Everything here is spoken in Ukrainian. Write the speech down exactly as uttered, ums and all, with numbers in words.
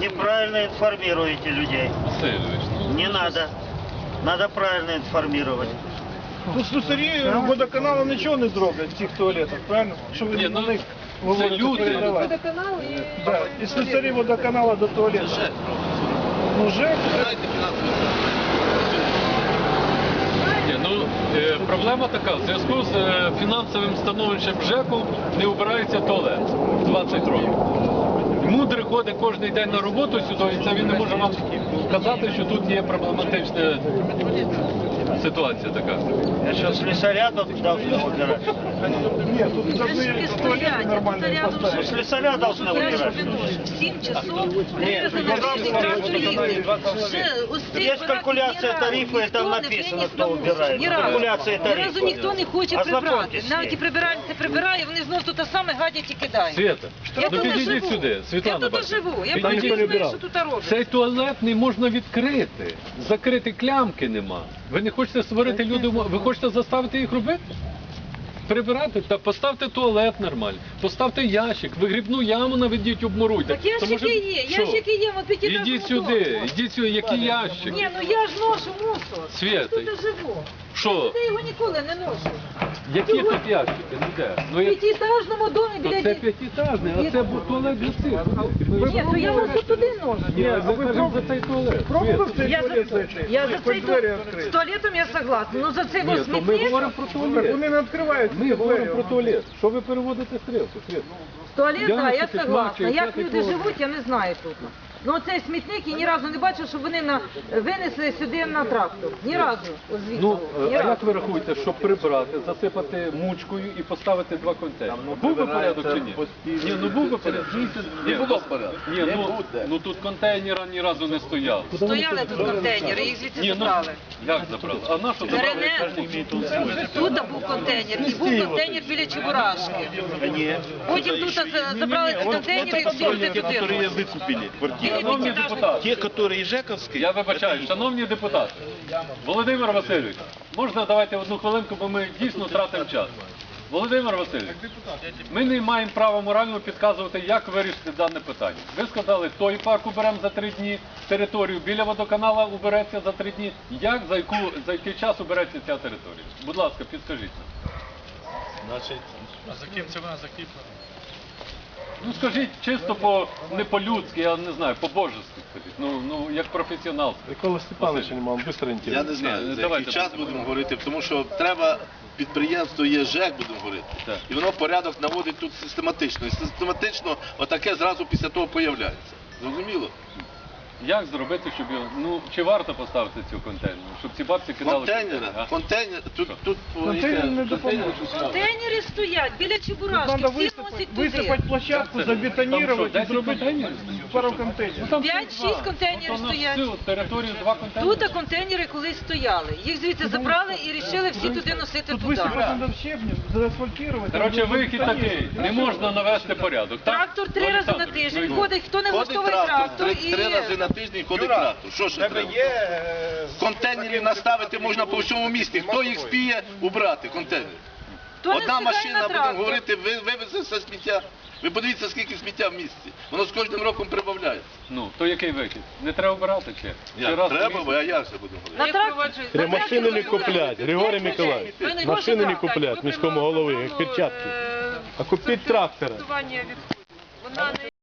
Неправильно информируете людей. Не надо. Надо правильно информировать. Ну, слюсарі водоканалу нічого не зроблять в цих туалетах, правильно? Що ви Ні, на ну, них це говорите люди. передавати? Водоканал і... Да. І слюсарі водоканалу до туалету. Ну, ЖЕК. Ні, ну, е, проблема така, в зв'язку з е, фінансовим становищем ЖЕКу не убирається туалет двадцять років. Мудрий ходить кожен день на роботу сюди, і це він не може вам сказати, що тут є проблематична ситуація така. Я что, слесаря тут должны убирать? Ні, тут должны туалети нормально поставити. Слесаря должны убирать. В сім часов вивезли на всіх трактористів. Есть калькуляция тарифа, и там написано, кто убирает. Ні разу. Калькуляция Ні разу тарифа. ніхто не хоче прибрати. Ознакомьтесь з Навіть і ним. прибиральниця прибирає, вони знов тут саме гадять і кидають. Свята, Я ну тут підійдіть живу. сюди, Світлана. Я тут бачите. живу. Я Підійдіть. бачу, знаю, що тут роблять. Цей туалет не можна відкрити. Закрити клямки нема. Ви не хочете створити люди, ви хочете заставити їх робити? Прибирати? Та поставте туалет нормально, поставте ящик, вигрібну яму наведіть, обмуруйте. Так ящики є, ящики є, от п'ятиэтажному Ідіть сюди, дому. ідіть сюди, які ящики? Ні, ну я ж ношу мусор. Свята. Я тут живу. Що? Я його ніколи не ношу. Які тут ящики? Ну де? Ну, В як- п'ятиэтажному домі То біля це дітей. п'ятиэтажний, а це бу- туалет для цих. Ні, то я ношу туди ношу. Ні, а ви кажете за цей туалет. Пробував цей Я туалет за, зайти? я за Хоч цей двері ту... відкрити. з туалетом я согласна. Ну за цей Ні, ось то ми смітник, говоримо про Так туалет. вони не відкривають. Ми говоримо про туалет. Що ви переводите стрілку? Світ? з туалет, Я так, на я таки согласна. плачу, Як п'ятий люди туалет. живуть, я не знаю тут. Ну цей смітник я ні разу не бачив, щоб вони на... винесли сюди на трактор. Ні разу. Ось звідси. Ну, Ні а як разу. ви рахуєте, щоб прибрати, засипати мучкою і поставити два контейнери? Був би порядок чи ні? Ні, ну був би порядок. Не було порядку. Ні, ну, ну тут контейнера ні разу не стояв. Стояли тут контейнери, їх звідси Ні, ну, забрали. як забрали? А на що забрали? Перене... Тут був контейнер, і був контейнер біля Чебурашки. Потім тут за- забрали ці контейнери і всі туди которые выкупили квартиры. Шановні депутати, Те, которые жековские. я вибачаю, шановні депутати, Володимир Васильович, можна давайте одну хвилинку, бо ми дійсно тратимо час. Володимир Васильович, ми не маємо права морально підказувати, як вирішити дане питання. Ви сказали, той парк уберемо за три дні, територію біля водоканала убереться за три дні. Як, за, яку, за який час убереться ця територія? Будь ласка, підскажіть нам. Значит, А за ким це вона закріплена? Ну скажіть чисто по, не по-людськи, я не знаю, по-божески скажіть. Ну, ну як професіонал. Микола Степанович, не мав, швидко я не знаю, Ні, за давайте який час будемо будемо говорити, тому що треба, підприємство є ЖЕК, будемо говорити, Так. і воно порядок наводить тут систематично. І систематично отаке зразу після того появляється. Зрозуміло? Як зробити, щоб його, ну, чи варто поставити цю контейнер, щоб ці бабці кидали Контейнери, а? контейнер, тут, тут Контейнер не допоможе. Контейнери стоять біля Чебурашки, Треба всі висипати, носять туди. висипати площадку, Там що, забетонувати і десять зробити контейнерів? пару контейнерів. Там П'ять-шість два. контейнерів Тобто на стоять. всю територію два контейнери? Тут контейнери колись стояли. Їх звідси забрали і вирішили всі туди носити Тут туди. висипати треба щебнем, заасфальтувати. Коротше, вихід такий, не можна навести порядок, так? Трактор три рази на тиждень Ну, ходить, хто не ходить влаштовує трактор, трактор три, і... три рази на тиждень ходить трактор. Що ще треба? Контейнерів наставити можна по всьому місті. Хто їх спіє убрати, контейнери? Хто не Одна встигає машина, на будемо трактор. говорити, ви- вивезе все сміття. Ви подивіться, скільки сміття в місті. Воно з кожним роком прибавляється. Ну, то який вихід? Не треба обирати чи? Чи Як? раз в Треба, місяць? бо а як це будемо говорити? На трактор... Треба машини не куплять, Григорій Миколаївич. Машини не куплять міському голові, як перчатки. А купіть трактора. Вона не